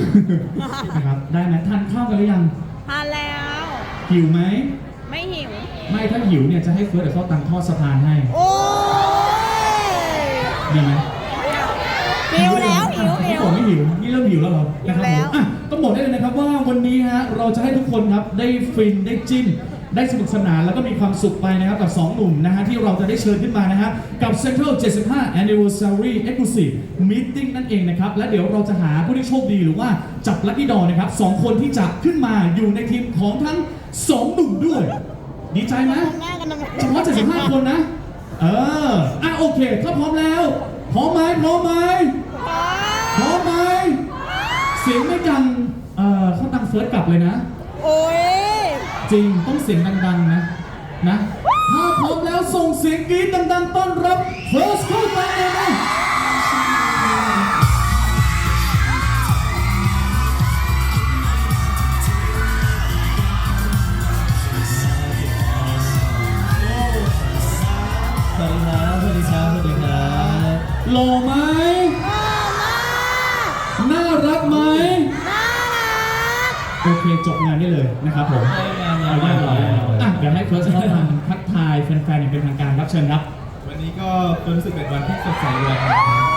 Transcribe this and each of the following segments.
นะครับได้ไหมทานข้าวกันหรือยังทานแล้วหิวไหมไม่หิวไม่ถ้าหิวเนี่ยจะให้เฟิร์สกับข้าวตังทอดสะพานให้โอ้ยดีไหมหิวแล้วหิวนี่บอกไม่หิวนี่เริ่มหิวแล้วเหรอนะครับหิวแล้วผมต้องบอกได้เลยนะครับว่าวันนี้ฮะเราจะให้ทุกคนครับได้ฟินได้จิ้นได้สนุกสนานแล้วก็มีความสุขไปนะครับกับ2หนุ่มนะฮะที่เราจะได้เชิญขึ้นมานะฮะกับ Central 75 Anniversary Exclusive Meeting นั่นเองนะครับและเดี๋ยวเราจะหาผู้ที่โชคดีหรือว่าจับลัคกี้ดอนะครับ2คนที่จะขึ้นมาอยู่ในทีมของทั้ง2หนุ่มด้วยดีใจไหมหน้ากันทำไมเฉพาะ75 คนนะโอเคถ้าพร้อมแล้วพร้อมไหมพร้อมไหมพร้อมไหมเสียงไม่ดังเขาตังเฟิร์สกลับเลยนะโอ้ยจริงต้องเสียงดังๆนะถ้าพร้อมแล้วส่งเสียงกรี๊ดดังๆต้อนรับเฟิร์สเข้าตังเลยนะสวัสดีครับ สวัสดีครับ สวัสดีครับหล่อไหมน่ารักไหมโอเคจบงานได้เลยนะครับผมเอาเรียบร้อยแล้วเดี๋ยวให้เฟิร์สเข้าทางทักทายแฟนๆอย่างเป็นทางการรับเชิญครับวันนี้ก็รู้สึกเป็นวันที่สดใสเลยครับ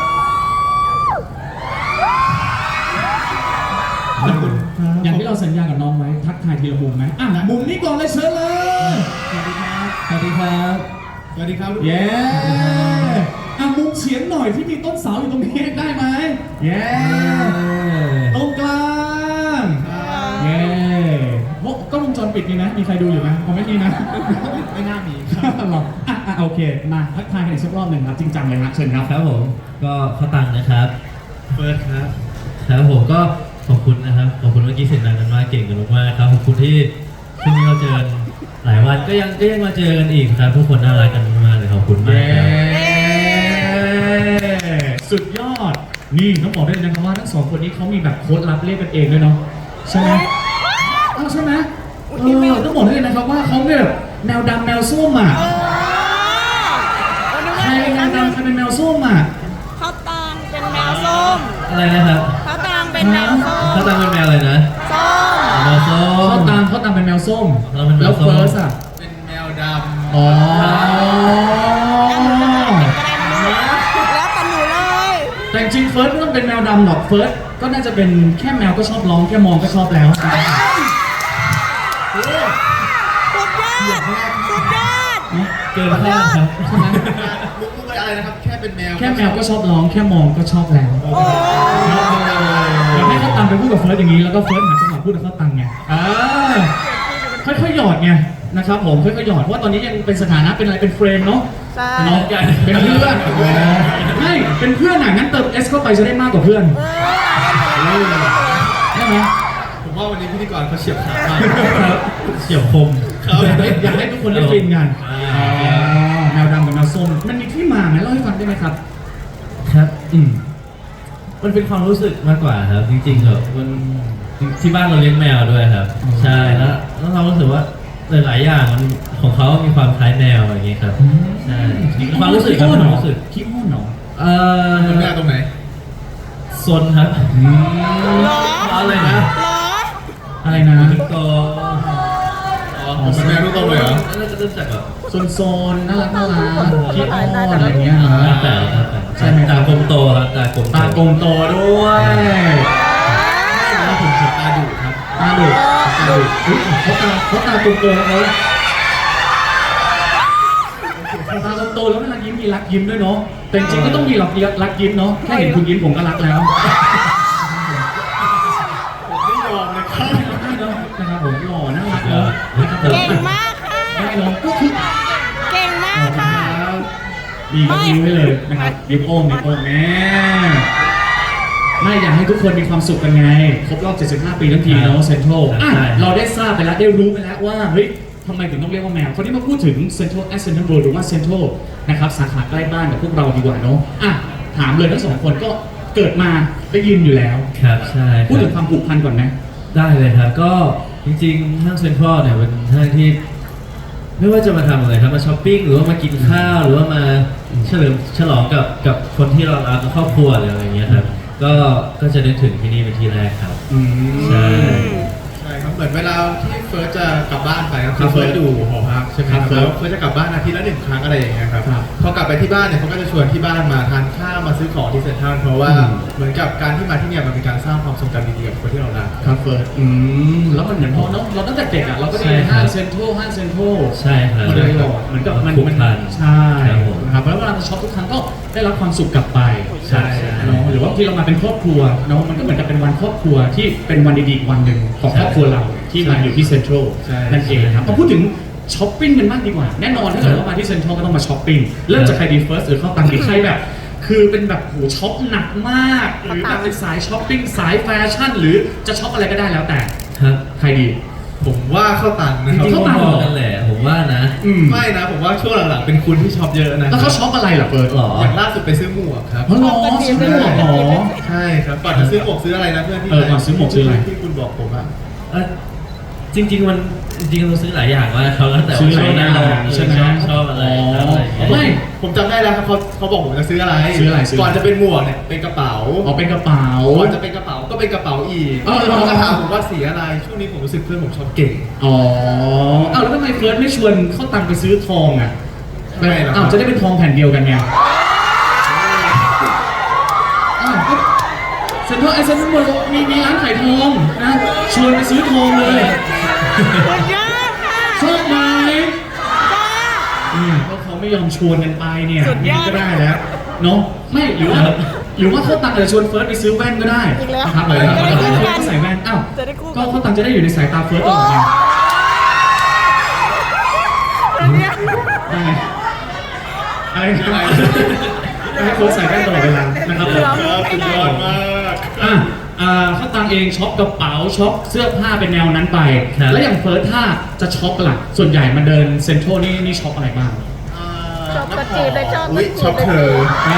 ขอบคุณครับอย่างที่เราสัญญากับน้องไว้ทักทายทีละมุมไหมมุมนี้ก่อนเลยเชิญเลยสวัสดีครับสวัสดีครับสวัสดีครับเย้มุมเฉียงหน่อยที่มีต้นเสาอยู่ตรงนี้ได้ไหมเย้ตรงกลางเย้โอ้กล้องวงจรปิดมีไหมมีใครดูอยู่ไหมผมไม่มีนะไม่น่ามีหรอโอเคมาทักทายกันอีกสักรอบหนึ่งครับจริงจังเลยครับเชิญครับครับผมก็เข้าตังค์นะครับเฟิร์สครับครับผมก็ขอบคุณนะครับขอบคุณเมื่อกี้เสียงดังกันมากเก่งกันมากๆครับขอบคุณที่ช่วงนี้เราเจอกันหลายวันก็ยังมาเจอกันอีกครับทุกคนน่ารักกันมากเลยขอบคุณมากครับสุดยอดนี่ต้องบอกได้เลยนะครับว่าทั้งสองคนนี้เขามีแบบโค้ดลับเรียกกันเองด้วยเนาะใช่ไหมใช่ไหมต้องบอกได้เลยนะครับว่าเขาแบบแมวดำแมวส้มอ่ะใครแมวดำใครเป็นแมวส้มอ่ะเขาตังเป็นแมวส้มอะไรนะครับเขาตังเป็นแมวส้มเข้าตังค์เป็นแมวอะไรนะส้มแมวส้มเขาตามเป็นแมวส้มเราเป็นแมแล้ว วส้มเฟิร์สอ่ะเป็นแมวดอ๋อแล้วแต่หนูเลยแต่จริงๆเฟิร์สไม่ต้องเป็นแมวดำหรอกเฟิร์สก็น่าจะเป็นแค่แมวก็ชอบร้องแค่มองก็ชอบแล้วสุดยอดสุดยอดเกินคาดครับใช่ไหมำมุกอะไรนะครับ แค่เป็นแมวแค่แมวก็ชอบร้องแค่มองก็ชอบแล้วโอ้เดี๋ยวให้เขาตังไปพูดกับเฟิร์สอย่างนี้แล้วก็เฟิร์สหาจังหวะพูดกับเขาตังไงค่อยๆหยอดไงนะครับผมค่อยๆหยอดเพราะว่าตอนนี้ยังเป็นสถานะเป็นอะไรเป็นเฟรมเนาะใช่น้องกันเป็นเพื่อนไม่เป็นเพื่อนอ่ะงั้นเติม S เข้าไปจะได้มากกว่าเพื่อนได้ไหมผมว่าวันนี้พิธีกรเขาเฉียบขาดมากครับเฉียบคมอยากให้ทุกคนได้ฟินกันแมวดำกับแมวส้มมันมีที่มาไหมเล่าให้ฟังได้ไหมครับครับมันเป็นความรู้สึกมากกว่าครับ จริงๆเหรอมันที่บ้านเราเลี้ยงแมวด้วยครับ ใช่แล้วเรารู้สึกว่าหลายๆอย่างมันของเขามีความคล้ายแมวอย่างเงี้ยครับใช่ความรู้สึกครับความรู้สึกขี้อ้อนเหรอเป็นแมวตรงไหนซนครับหรออะไรนะหรออะไรนะถึงโตเป็นแมวลูกโตเลยเหรอแล้วก็เริ่มจากแบบโซนน่ารักขี้อ้อนอะไรเงี้ยแต่ครับใช่ไหมตากลมโตครับตากลมตากลมโตด้วยแล้วผมขนตาดุครับตาดุอุ๊ยเขาตากลมโตแล้วตากลมโตแล้วเวลายิ้มมีรักยิ้มด้วยเนาะแต่จริงๆก็ต้องมีรักยิ้มเนาะแค่เห็นคุณยิ้มผมก็รักแล้วผมไม่ยอมนะครับนะครับผมหล่อน่ารักเนาะเก่งมากค่ะได้เนาะก็คือเก่งมากค่ะมีก็ยิ้มไว้เลยนะครับยิ้มโอ้มแม่ไม่อยากให้ทุกคนมีความสุขกันไงครบรอบ 75 ปีทั้งทีเนาะเซ็นทรัลเราได้ทราบไปแล้วได้รู้ไปแล้วว่าเฮ้ยทำไมถึงต้องเรียกว่าแมวคนนี้มาพูดถึงเซ็นทรัลเซ็นทรัลเวิลด์หรือว่าเซ็นทรัลนะครับสาขาใกล้บ้านกับพวกเราดีกว่าเนาะถามเลยทั้งสองคนก็เกิดมาได้ยินอยู่แล้วครับใช่ครับพูดถึงความผูกพันก่อนไหมได้เลยครับก็จริงๆห้างเซ็นทรัลเนี่ยเป็นห้างที่ไม่ว่าจะมาทำอะไรครับมาช้อปปิ้งหรือว่ามากินข้าวหรือว่ามาเฉลิมฉลองกับคนที่เรารักกับครอบครัวอะไรอย่างเงี้ยครับก็จะนึกถึงที่นี่เป็นที่แรกครับ ใช่ใช่ครับเหมือนเวลาที่เฟิร์สจะกลับบ้านไปครับครับเฟิร์สอยู่หอพักใช่ไหมครับครับแล้วเฟิร์สจะกลับบ้านอาทิตย์ละ1 ครั้งอะไรอย่างเงี้ยครับครับพอกลับไปที่บ้านเนี่ยเขาก็จะชวนที่บ้านมาทานข้าวมาซื้อของที่เซ็นทรัลเพราะว่าเหมือนกับการที่มาที่เนี่ยมันเป็นการสร้างความทรงจำดีๆกับคนที่เรารักครับเฟิร์สแล้วมันเหมือนพอเนาะเราตั้งแต่เด็กอ่ะเราก็ได้ใช่ครับห้างเซ็นทรัลห้างเซ็นทรัลใช่ครับมาโดยตลอดเหมือนกับมันผูกพันใช่ครับผมนะครับแล้วเวลาเราช็อปทุกครั้งก็ได้รับความสุขกลับไปใช่เนาะหรือว่าที่เรามาเป็นครอบครัวเนาะมันก็เหมือนกับเป็นวันครอบครัวที่เป็นวันดีๆอีกวันหนึ่งของครอบครัวเราที่มาอยู่ที่เซ็นทรัลใช่นั่นเองครับมาพูดถึงช้อปปิ้งกันบ้างดีกว่าแน่นอนถ้าเกิดว่ามาที่เซ็นทรัลก็ต้องมาช้อปปิ้งเริ่มจากใครดีเฟิร์สหรือเข้าตังดีใครแบบ คือเป็นแบบโหช็อปหนักมากหรือแบบเป็นสายช้อปปิ้งสายแฟชั่น หรือจะช็อปอะไรก็ได้แล้วแต่ครับใครดีผมว่าเข้าตังค์จนะครับริงๆเข้าก็ตังค์พอกันแหละผมว่านะไม่นะผมว่าช่วงหลังๆเป็นคุณที่ช็อปเยอะนะแล้วเขาช็อปอะไรล่ะเฟิร์สหรออย่างล่าสุดไปซื้อหมวกครับเพราะล้อซื้อหมวกเหรอใช่ครับก่อนจะซื้อหมวกซื้ออะไรนะเพื่อนที่ก่อนซื้อหมวกซื้ออะไรที่คุณบอกผมอะเอ่อจริงๆเราซื้อหลายอย่างมากเขาแล้วแต่ซื้อว่าหลายอย่างเราใช่ไหมชอบอะไรครับอะไรอย่างเงี้ยไม่ผมจำได้แล้วครับเขาบอกผมจะซื้ออะไรซื้ออะไรก่อนจะเป็นหมวกเนี่ยเป็นกระเป๋าเอาเป็นกระเป๋าก่อนจะเป็นกระเป๋าก็เป็นกระเป๋าอีกเออเขาก็ถามผมว่าสีอะไรช่วงนี้ผมรู้สึกเพื่อนผมชอบเก่งอ๋ออ้าวแล้วทำไมเฟิร์สไม่ชวนเข้าตังไปซื้อทองอ่ะไม่หรอกอ้าวจะได้เป็นทองแผ่นเดียวกันไงอ้าวก็เซ็นทรัลไอเซ็นทรัลเวิลด์มีร้านขายทองนะชวนไปซื้อทองเลยสุดยอดค่ะชอบไหมจ้าก็เขาไม่ยอมชวนกันไปเนี่ยสุดยอดก็ได้แล้วเนาะไม่หรือว่าเขาตังอาจจะชวนเฟิร์สไปซื้อแว่นก็ได้อีกแล้วนะครับเลยจะได้คู่กันก็ใส่แว่นอ้าวจะได้คู่กันก็เขาตังจะได้อยู่ในสายตาเฟิร์สตโอ้ลอดไงสุดยอดได้ไงอะไรนะให้เฟิร์สใส่แว่นตลอดเวลานะครับผมครับสุดยอดมากเขาตังเองช็อปกระเป๋าช็อปเสื้อผ้าเป็นแนวนั้นไปครับแล้วอย่างเฟิร์สถ้าจะช็อปล่ะส่วนใหญ่มาเดินเซ็นทรัลนี่ช็อปอะไรบ้างชอบกระจืดเลยชอบอุ๊ยกระจืดช็อปเธอ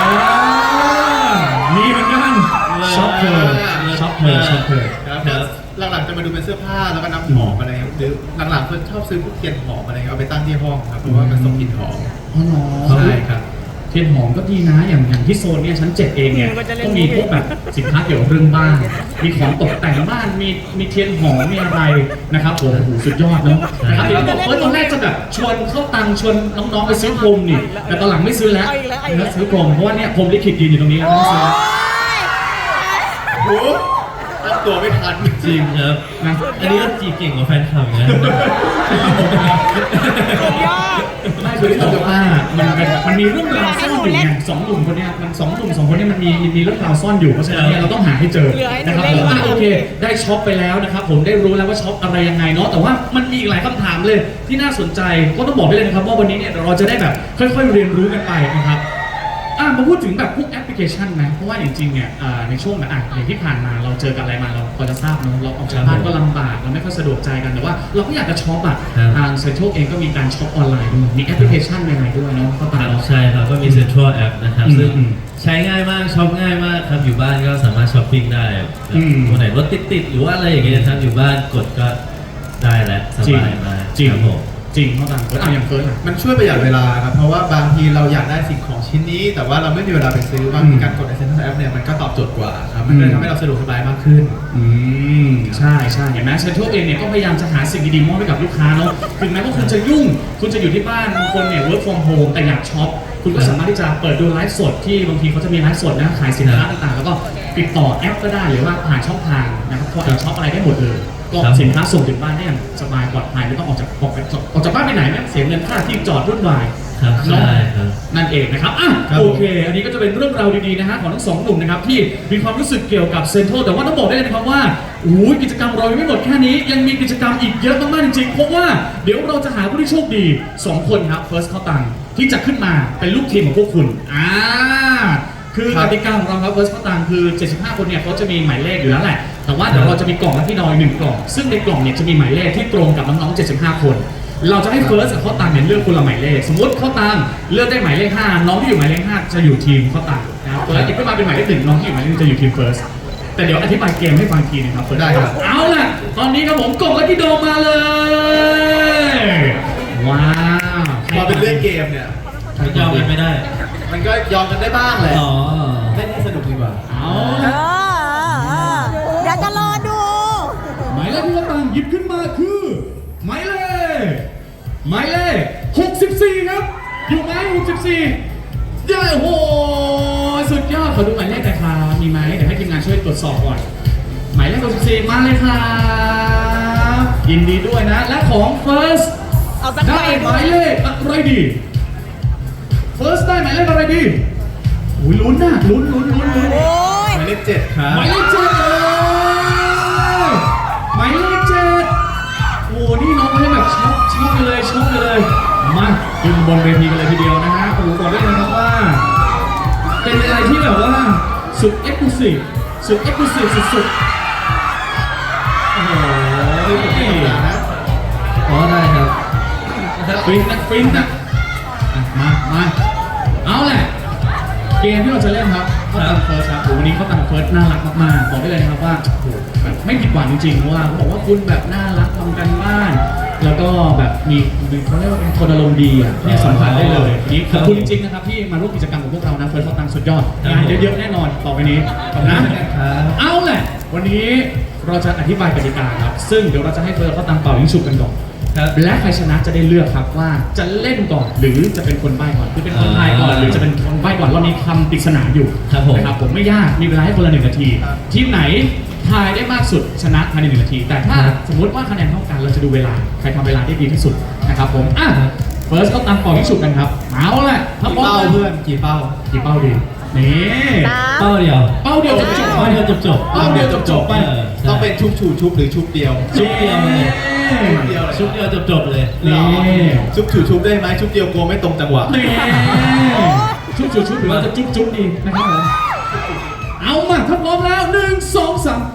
มีเหมือนกันช็อปเธอช็อปเธอช็อปเธอครับหลังๆจะมาดูเป็นเสื้อผ้าแล้วก็น้ำหอมอะไรครับหรือหลังๆเพื่อนชอบซื้อพวกเทียนหอมอะไรเอาไปตั้งที่ห้องครับเพราะว่ามันส่งกลิ่นหอมอ๋อเหรอใช่ครับเทียนหอมก็ดีนะอย่างที่โซนเนี่ยชั้น 7 เองเนี่ยก็มีพวกแบบสินค้าเกี่ยวกับเรื่องบ้านมีของตกแต่งบ้านมีเทียนหอมมีอะไรนะครับผมโอ้โหสุดยอดเนาะนะครับเดี๋ยวบอกว่าตอนแรกจะแบบชวนเข้าตังชวนน้องๆไปซื้อพรมนี่แต่ตอนหลังไม่ซื้อแล้วนะซื้อพรมเพราะว่าเนี่ยพรมลิขิตยืนอยู่ตรงนี้แล้วโอ้ไม่ซื้อยโอ้โหตั้งตัวไม่ทันจริงครับนะอันนี้ก็จีบเก่งกว่าแฟนคลับนะสุดยอดไม่คือที่บอกว่ามันมีเรื่องราวซ่อนอยู่ไงสองหนุ่มคนเนี้ยมันสองหนุ่มสองคนเนี้ยมันมีเรื่องราวซ่อนอยู่เพราะฉะนั้นเนี่ยเราต้องหาให้เจอนะครับผมโอเคได้ช็อปไปแล้วนะครับผมได้รู้แล้วว่าช็อปอะไรยังไงเนาะแต่ว่ามันมีอีกหลายคำถามเลยที่น่าสนใจก็ต้องบอกได้เลยนะครับว่าวันนี้เนี่ยเราจะได้แบบค่อยๆเรียนรู้กันไปนะครับมาพูดถึงแบบพวกแอปพลิเคชันนะเพราะว่าจริงๆเนี่ยในช่วงแบบอย่างที่ผ่านมาเราเจอกับอะไรมาเราพอจะทราบเนอะเราออกจากบ้านก็ลำบากเราไม่ค่อยสะดวกใจกันแต่ว่าเราก็อยากจะช็อปอ่ะครับทางเซ็นทรัลเองก็มีการช็อปออนไลน์ด้วยมีแอปพลิเคชันใหม่ๆด้วยเนาะเข้าคตารับเราใช่ครับก็มี Central App นะครับอืมซึ่งอืมใช้ง่ายมากช็อปง่ายมากครับอยู่บ้านก็สามารถช้อปปิ้งได้แบบอืมวันไหนรถติดๆหรือว่าอะไรอย่างเงี้ยครับอยู่บ้านกดก็ได้แล้วสจริงบายมากจริงครับผมจริงเข้าตามเฟิร์สอย่างเฟิร์สอะมันช่วยประหยัดเวลาครับ เพราะว่าบางทีเราอยากได้สิ่งของชิ้นนี้ แต่ว่าเราไม่มีเวลาไปซื้อบางทีการกดในเซ็นทรัลแอปเนี่ยมันก็ตอบโจทย์กว่าครับ มันก็เลยทำให้เราสะดวกสบายมากขึ้นใช่ใช่เห็นไหมเซ็นทรัลเองเนี่ยก็พยายามจะหาสิ่งดีๆมอบให้กับลูกค้าเนาะถึงแม้ว่าคุณจะยุ่ง คุณจะอยู่ที่บ้านบางคนเนี่ย work from home แต่อยากช็อปคุณก็สามารถที่จะเปิดดูไลฟ์สดที่บางทีเขาจะมีไลฟ์สดนะขายสินค้าต่างๆ แล้วก็ติดต่อแอปก็ได้หรือว่าผ่านช่องทางนะครับพอช็อปอะไรได้หมดเลยก็สินค้าส่งถึงบ้านได้อย่างสบายปลอดภัยไม่ต้องออกจากบ้านไปไหนไม่ต้องเสียเงินค่าที่จอดรุ่นวายครับเนาะใช่ครับนั่นเองนะครับอ่ะครับโอเค อันนี้ก็จะเป็นเรื่องราวดีๆนะฮะของทั้งสองหนุ่มนะครับที่มีความรู้สึกเกี่ยวกับเซ็นทรัลแต่ว่าต้องบอกได้เลยนะครับว่าอู้ยกิจกรรมเรายังไม่หมดแค่นี้ยังมีกิจกรรมอีกเยอะมากๆจริงๆเพราะว่าเดี๋ยวเราจะหาผู้ที่โชคดี 2 คนครับ First เข้าตังที่จะขึ้นมาเป็นลูกทีมของพวกคุณคือกติกาของเราครับ First เข้าตังคือ 75 คนเนี่ยเขาจะมีหมายเลขอยู่แล้วแหละแต่ว่าเดี๋ยวเราจะมีกล่องและพี่น้อย1กล่องซึ่งในกล่องเนี่ยจะมีหมายเลขที่ตรงกับน้องๆ75 คน เราจะให้เฟิร์สกับข้าวตังเนี่ยเลือกคนละหมายเลขสมมติข้าวตังเลือกได้หมายเลข 5 น้องที่อยู่หมายเลข 5 จะอยู่ทีมข้าวตังนะครับเฟิร์สหยิบขึ้นมาเป็นหมายเลข 1 น้องที่อยู่หมายเลข 1 จะอยู่ทีมเฟิร์สแต่เดี๋ยวอธิบายเกมให้ฟังทีนึงครับเฟิร์สได้ครับเอาล่ะตอนนี้ครับผมกล่องและพี่โดมมาเลยว้าวพอเป็นเรื่องเกมเนี่ยยอมกันไม่ได้มันก็ยอมกันได้บ้างแหละอ๋อเล่นให้สนุกดีกว่าเอาเอล่ะอหมายเลข64ครับอยู่ไหม64ได้โอ้โหสุดยอดขอดูหมายเลขหน่อยครับมีไหมเดี๋ยวให้ทีมงานช่วยตรวจสอบก่อนหมายเลข64มาเลยครับยินดีด้วยนะและของ First เอาสักใบได้หมายเลขอะไรดี First ได้หมายเลขอะไรดีอุ้ยลุ้นนะลุ้นโอ้ยหมายเลข7ครับหมายเลข7เลยหมายเลข7โอ้นี่น้องไม่ได้แบบช็อกเลยมาขึ้นบนเวทีกันเลยทีเดียวนะฮะโอ้บอกได้เลยครับว่าเป็นอะไรที่แบบว่าสุดเอ็กซ์คลูซีฟสุดๆโอ้โหอ๋อได้ครับฟินนะอ่ะมาเอาแหละเกมที่เราจะเล่นครับเขาตังเฟิร์สครับโอ้วันนี้เขาตังเฟิร์สน่ารักมากๆบอกได้เลยนะครับว่าโอ้โหแบบไม่ผิดหวังจริงๆเพราะว่าเขาบอกว่าคุณแบบน่ารักทำกันบ้าน แล้วก็แบบมีเขาเรียกว่าเป็นคนอารมณ์ดีอ่ะเนี่ยสัมผัสได้เลยนี่ขอบคุณจริงๆนะครับที่มาร่วมกิจกรรมกับพวกเรานะเฟิร์สเขาตังสุดยอดงานเยอะๆแน่นอนต่อไปนี้ขอบคุณนะ เอาแหละวันนี้เราจะอธิบายกติกาครับซึ่งเดี๋ยวเราจะให้เฟิร์สเขาตังเป่ายิงฉุบกันก่อนครับและใครชนะจะได้เลือกครับว่าจะเล่นก่อนหรือจะเป็นคนใบ้ก่อนคือเป็นคนทายก่อนหรือจะเป็นคนใบ้ก่อนรอบนี้คำปริศนาอยู่ครับผมนะครับผมไม่ยากมีเวลาให้คนละ1 นาทีทีมไหนทายได้มากสุดชนะภายใน1 นาที แต่ถ้าสมมติว่าคะแนนเท่ากันเราจะดูเวลาใครทำเวลาได้ดีที่สุดนะครับผมเฟิร์สเขาตังเป่ายิงฉุบกันครับเอาแหละถ้าพร้อมเป้าแล้วเพื่อนกี่เป้ากี่เป้าดีนี่เป้าเดียวเป้าเดียวจบเป้าเดียวจบเป้าเดียวจบๆไปเออใช่ต้องเป็นชุบชูชุบหรือชุบเดียวชุบเดียวเลยเดียวเลยชุบเดียวจบเลยนี่ชุบชูชุบได้ไหมชุบเดียวกลัวไม่ตรงจังหวะนี่ชุบหรือว่าจะจุ๊บดีนะครับผมเอามาถ้าพร้อมแล้ว1 2 3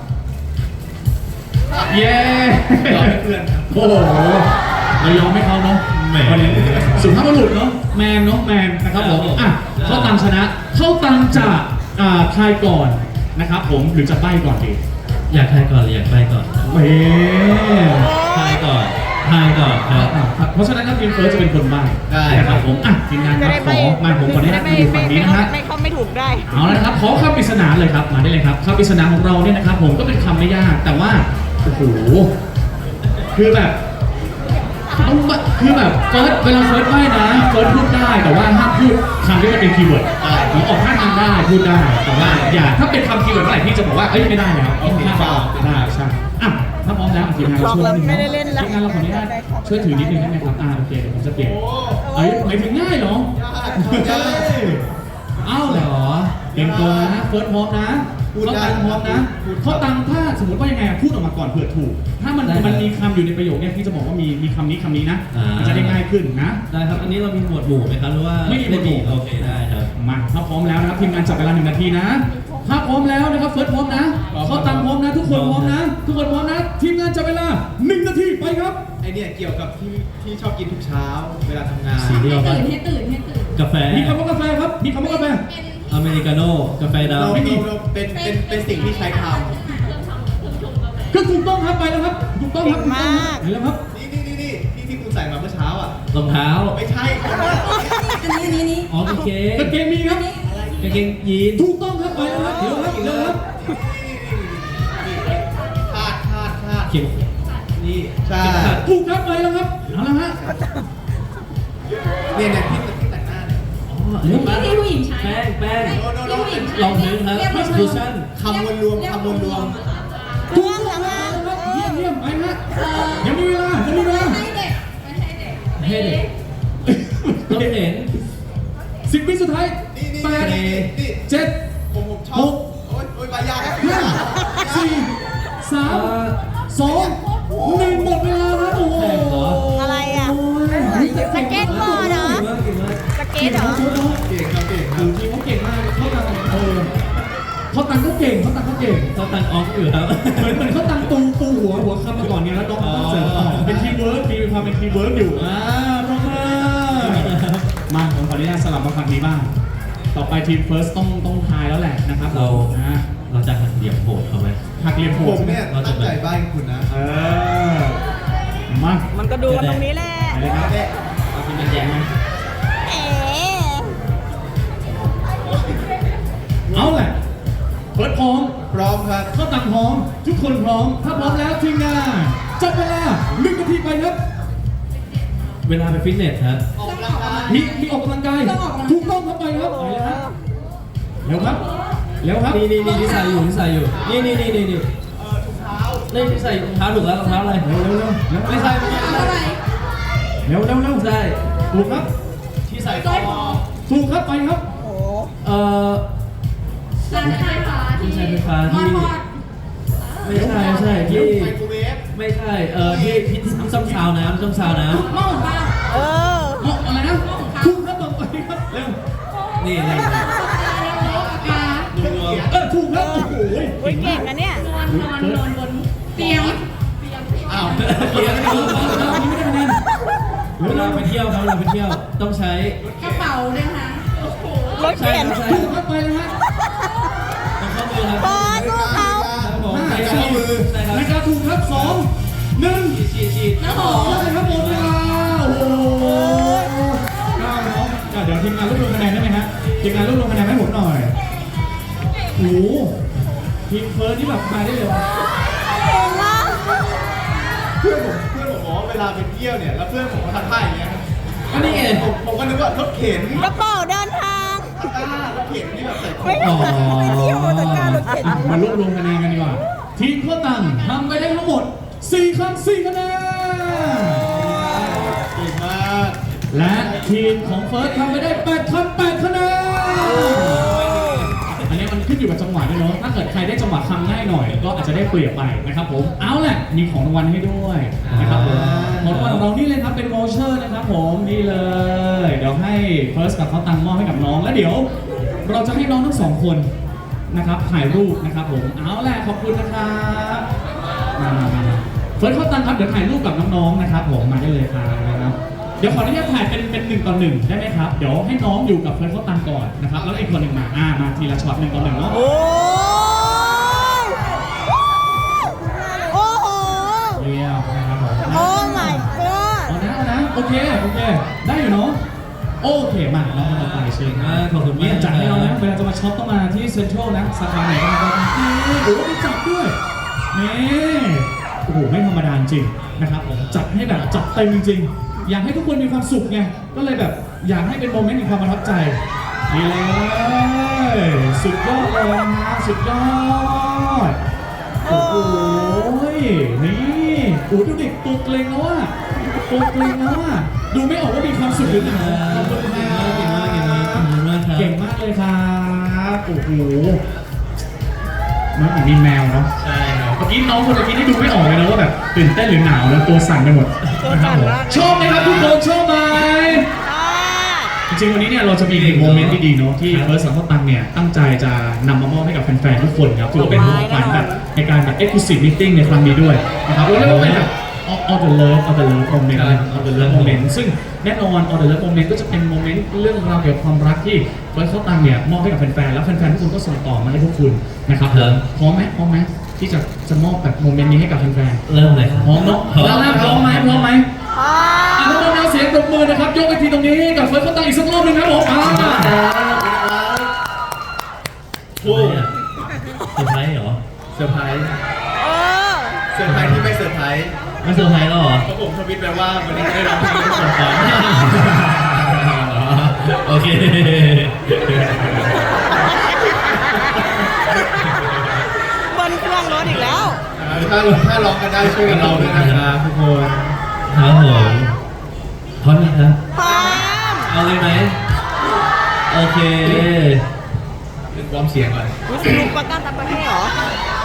เย้ยอมให้เพื่อนครับโอ้โหเรายอมให้เขาเนาะแหมวันนี้สุภาพบุรุษเนาะแมนนะครับผมอ่ะเข้าตังชนะเข้าตังจะทายก่อนนะครับผมหรือจะใบ้ก่อนดีอยากทายก่อนหรืออยากไปก่อนเฮ้ยทายก่อนครับเพราะฉะนั้นครับทีมเฟิร์สจะเป็นคนใบ้ได้นะครับผมอ่ะทีมงานครับขอมาผมขออนุญาตมาดูฝั่งนี้นะฮะไม่เข้าไม่ถูกได้เอาละครับขอคำปริศนาเลยครับมาได้เลยครับคำปริศนาของเราเนี่ยนะครับผมก็เป็นคำไม่ยากแต่ว่าโอ้โหคือแบบต้องคือแบบเฟิร์สเวลาเฟิร์สใบ้นะเฟิร์สพูดได้แต่ว่าห้ามพูดคำที่มันเป็นคีย์เวิร์ดหรือออกท่าทางได้พูดได้แต่ว่าอย่าถ้าเป็นคำคีย์เวิร์ดเมื่อไหร่พี่จะบอกว่าเอ้ยไม่ได้แล้วต้องห้ามได้ใช่อ่ะถ้าพร้อมแล้วทีมงานเราช่วยนิดนึงไม่ได้เล่นแล้วทีมงานเราขออนุญาตช่วยถือนิดนึงได้ไหมครับโอเคเดี๋ยวผมจะเปลี่ยนเอ้ยหมายถึงง่ายเหรอ เอ้าเหรอเตรียมตัวนะเฟิร์สพร้อมนะพูดได้เขาตังพร้อมนะพูดครับเขาตังถ้าสมมติว่ายังไงพูดออกมาก่อนเผื่อถูก ถ้ามันมีคำอยู่ในประโยคเนี่ยพี่จะบอกว่ามีคำนี้นะมันจะได้ง่ายขึ้นนะได้ครับอันนี้เรามีหมวดหมู่ไหมครับหรือว่าไม่มีหมวดหมู่โอเคได้ครับมาถ้าพร้อมแล้วนะครับทีมงานจับเวลา1 นาทีนะถ้าพร้อมแล้วนะครับเฟิร์สพร้อมนะเขาตังพร้อมนะทุกคนพร้อมนะทุกคนพร้อมนะทีมงานจับเวลา1 นาทีไปครับไอเนี่ยเกี่ยวกับที่ชอบกินทุกเช้าเวลาทำงานสีเดียวกันให้ตื่นกาแฟมีคำว่ากาแฟครับมีคำว่ากาแฟอเมริกาโน่กาแฟดำเราเป็นสิ่งที่ใช้ทก็ถูกต้องครับไปแล้วครับถูกต้องครับเก่งมากไปแล้วครับำนี่ที่คุณใส่มาเมื่อเช้าอ่ะรองเท้าไม่ใช่อันนี้อ๋อกางเกงกางเกงมีครับกางเกงยีนถูกต้องครับไปแล้วครับเดี๋ยวครับเดี๋ยวครับคาดเข็มนี่ใช่ถูกครับไปแล้วครับเอาละฮะเนี่ยที่แต่งหน้าเนี่ยอ๋ออันนี้ที่ผู้หญิงใช้แป้งที่ผู้หญิงใช้รองพื้นครับคูชั่นคำวนรวมถูกต้องครับเยี่ยมไปฮะยังมีเวลาให้เด็กไม่ให้เด็กให้เด็กต้องเห็น 10 วิสุดท้ายนี่ 8 7 ผมชอบ โอ๊ยปลายา 5 4 3 2 1หมดเวลาครับโอ้โหแข่งเหรออะไรอ่ะสเก็ตบอร์ดเหรอเก่งมากสเก็ตเหรอเก่งครับเก่งคคืรับอทีมเขาเก่งมากเขาตังเขาตังเขาเก่งเขาตังออฟอยู่ครับเหมือนเขาตังตูหัวคำมาก่อนไงแล้วน้องเขาต้องเสริมต่อเป็นทีมเวิร์กมีความเป็นทีมเวิร์กอยู่ปรบมือมาผมขออนุญาตสลับมาฝั่งนี้บ้างต่อไปทีมเฟิร์สต้องทายแล้วแหละนะครับเรานะเราจะหักเหลี่ยมโหดเขาไหมหักเหลี่ยมโหผดมเนี่ยตั้งใจใบ้คุณนะมามันก็ดูกันตรงนี้แหละไปเลยครับเอาทีมงานแย่งไหมเอ๋เอาแหละเฟิร์สพร้อมพร้อมครับเข้าตังพร้อมทุกคนพร้อมถ้าพร้อมแล้วทีมงานจับเวลา1 นาทีไปครับเวลาไปฟิตเนสครับออกกำลังกายมีออกกำลังกายถูกต้องครับไปครับไปเลยฮะเร็วครับเร็วครับนี่ที่ใส่อยู่นี่นี่ถุงเท้านี่ที่ใส่รองเท้าถูกแล้วรองเท้าอะไรเร็วไม่ใช่อะไรเร็วใช่ถูกครับที่ใส่คอถูกครับไปครับโอ้เอ่อร้านไฟฟ้าที่ที่ใช้ไฟฟ้าที่มอดไม่ใช่ที่ไมโครเวฟไม่ใช่ที่ต้องซาวน้ำต้องซาวน้หม้อหุงข้าวเออเหมาะอะไรนะถูกครับต่อไปครับเร็วำนี่ปากกาถูกครับโอ้โหเฮ้ยเก่งนะเนี่ยนอนบนเตียงอ้าวเกียร์ไม่รู้อันนี้ไม่ได้คะแนนเวลาไปเที่ยวครับเวลาไปเที่ยวต้องใช้กระเป๋าด้วยนะรถเข็นใช่ถูกครับไปเลยฮะต้องเข้ามือครับพอสู้เขาครับผมห้าใช้สี่ข้อมือใช่ครับนะครับถูกครับ2 1 ฉีดน้ำหอมได้ครับหมดเวลาโอ้โห9น้องเดี๋ยวทีมงานรวบรวมคะแนนได้ไหมฮะทีมงานรวบรวมคะแนนให้ผมหน่อยโอ้โหทีมเฟิร์สที่แบบมาได้เลยเก่งมากเพื่อนผมบอกว่าเวลาไปเที่ยวเนี่ยแล้วเพื่อนผมก็ทำท่าอย่างเงี้ยก็นี่ไงผมก็นึกว่ารถเข็นกระเป๋าเดินทางรถเข็นที่แบบใส่ของไม่ได้ไปเที่ยวแต่การรถเข็นมารวบรวมคะแนนกันดีกว่า ทีมข้าวตังทำไปได้ทั้งหมด4 ครั้ง 4 คะแนนเก่งมากและทีมของเฟิร์สทำไปได้8 ครั้ง 8 คะแนน อันนี้มันขึ้นอยู่กับจังหวะด้วยเนาะ ถ้าเกิดใครได้จังหวะคำง่ายหน่อย ก็อาจจะได้เปรียบไปนะครับผม เอาแหละมีของรางวัลให้ด้วยนะครับผมของรางวัลของเรานี่เลยครับเป็นโวเชอร์นะครับผมนี่เลย เดี๋ยวให้เฟิร์สกับเขาตังมอบให้กับน้อง แล้วเดี๋ยว เราจะให้น้องทั้งสองคนนะครับถ่ายรูปนะครับผม เอาแหละขอบคุณนะครับมาเฟิร์สเขาตังครับเดี๋ยวถ่ายรูปกับน้องๆนะครับผมมาได้เลยครับเดี๋ยวขออนุญาตถ่ายเป็น1:1ได้ไหมครับ เดี๋ยวให้น้องอยู่กับเฟิร์สเขาตังก่อนนะครับแล้วอีกคนหนึ่งมาทีละช็อต1:1เนาะโอ้ยโอ้โหเรียวนะครับผมโอ้ my god เอานะโอเคได้อยู่เนาะโอเคมาน้องคนต่อไปเชิญขอบคุณเนี่มาย กจัดให้เรานะเวลาจะมาช็อปต้องมาที่เซ็นทรัลนะสาขาไหนก็มาได้โอ้โหมีจัดด้วยนี่โอ้โหไม่ธรรมดาจริงนะครับผมจัดให้แบบจัดเต็มจริงๆอยากให้ทุกคนมีความสุขไงก็เลยแบบอยากให้เป็นโมเมนต์แห่งความประทับใจนี่เลยสุดยอดเลยนะฮะสุดยอดโอ้โหนี่โอ้ดูเด็กตัวเกรงแล้วอะตัวเกรงแล้วอะดูไม่ออกว่ามีความสุขหรือเปล่าขอบคุณครับ เก่งมากเลยครับโอ้โหมันเหมือนมีแมวเนาะใช่ครับเมื่อกี้น้องคนเมื่อกี้นี่ดูไม่ออกเลยนะว่าแบบตื่นเต้นหรือหนาวแล้วตัวสั่นไปหมดตัวสั่นมากชอบไหมครับทุกคนชอบไหมอ่าจริงๆวันนี้เนี่ยเราจะมีอีกโมเมนต์ที่ดีเนาะที่เฟิร์สสังกัตังเนี่ยตั้งใจจะนำมามอบให้กับแฟนๆทุกคนครับถือว่าเป็นของขวัญแบบในการแบบ exclusive meeting ในครั้งนี้ด้วยนะครับเราเรียกว่าเป็นแบบ all the love moment all the love moment ซึ่งแน่นอน all the love moment ก็จะเป็นโมเมนต์เรื่องราวเกี่ยวกับความรักที่เฟิร์สเขาตังเนี่ยมอบให้กับแฟนๆแล้วแฟนๆทุกคนก็ส่งต่อมาให้พวกคุณนะครับครับพร้อมไหมที่จะมอบแบบโมเมนต์นี้ให้กับแฟนๆเริ่มเลยครับพร้อมเนาะแล้วพร้อมไหมอ่าทุกคนเอาเสียงปรบมือนะครับ ยกไปทีตรงนี้กับเฟิร์สเขาตั้งอีกสักรอบหนึงครับผมโอ้ยเซอร์ไพรส์เหรอเซอร์ไพรส์เออเซอร์ไพรส์ที่ไม่เซอร์ไพรส์ไม่เซอร์ไพรส์แล้วเหรอเพราะผมทวิตไปว่าวันนี้จะได้ร้องเพลงที่สองครั้งโอเคบนเครื่องรถอีกแล้วถ้าร้องกันได้ช่วยกันร้องด้วยนะครับทุกคนครับผมพร้อมไหมครับพร้อมเอาเลยไหมโอเควอร์มเสียงก่อนรู้สึกลุกประกันตามประเทศเหรอ